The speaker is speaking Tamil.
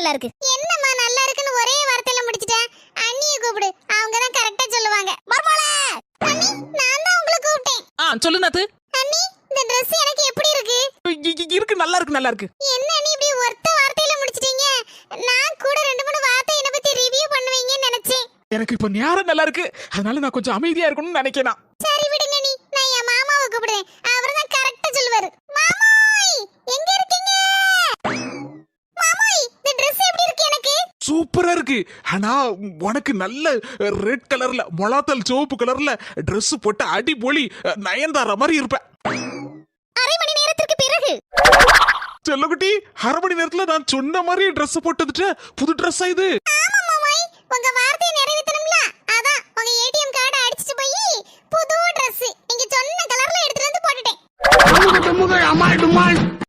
நல்லா இருக்கு. என்னம்மா நல்லா இருக்குன்னு ஒரே வார்த்தையில முடிச்சிட்டேன். அண்ணியை கூப்பிடு, அவங்க தான் கரெக்டா சொல்லுவாங்க. மர்மோளே அண்ணி, நான் தான் உங்களை கூப்பிட்டேன். சொல்லு நாத்து. அண்ணி, இந்த Dress எனக்கு எப்படி இருக்கு? இருக்கு, நல்லா இருக்கு, நல்லா இருக்கு. என்ன அண்ணி இப்படி ஒத்த வார்த்தையில முடிச்சிட்டீங்க? நான் கூட 2-3 வார்த்தை என்ன பத்தி ரிவ்யூ பண்ணுவீங்கன்னு நினைச்சேன். எனக்கு இப்ப நேரம் நல்லா இருக்கு, அதனால நான் கொஞ்சம் அமைதியா இருக்கணும்னு நினைக்கிறேன். சரி விடுங்க நீ, நான் என் மாமாவை கூப்பிடுறேன். அவர் தான் கரெக்டா சொல்லுவாரு. மாமாய், எங்க இருக்கீங்க? மாமாய், இந்த Dress எப்படி இருக்கு எனக்கு? சூப்பரா இருக்கு. ஆனா உனக்கு நல்ல ரெட் கலர்ல மொளாத்தல் சிவப்பு கலர்ல Dress போட்டு அடிபொலி நயன்தாரா மாதிரி இருப்ப. அரை மணி நேரத்திற்கு பிறகு செல்லகுட்டி, அரை மணி நேரத்துல நான் சொன்ன மாதிரி Dress போட்டுட்டு புது Dress இது. ஆமா மாமாய், உங்க வார்த்தையை நிறைவேத்தணும்ல, அதான் உங்க ஏடிஎம் கார்டை அடிச்சிட்டு போய் புது Dress நீங்க சொன்ன கலர்ல எடுத்துட்டு வந்து போட்டுட்டேன்.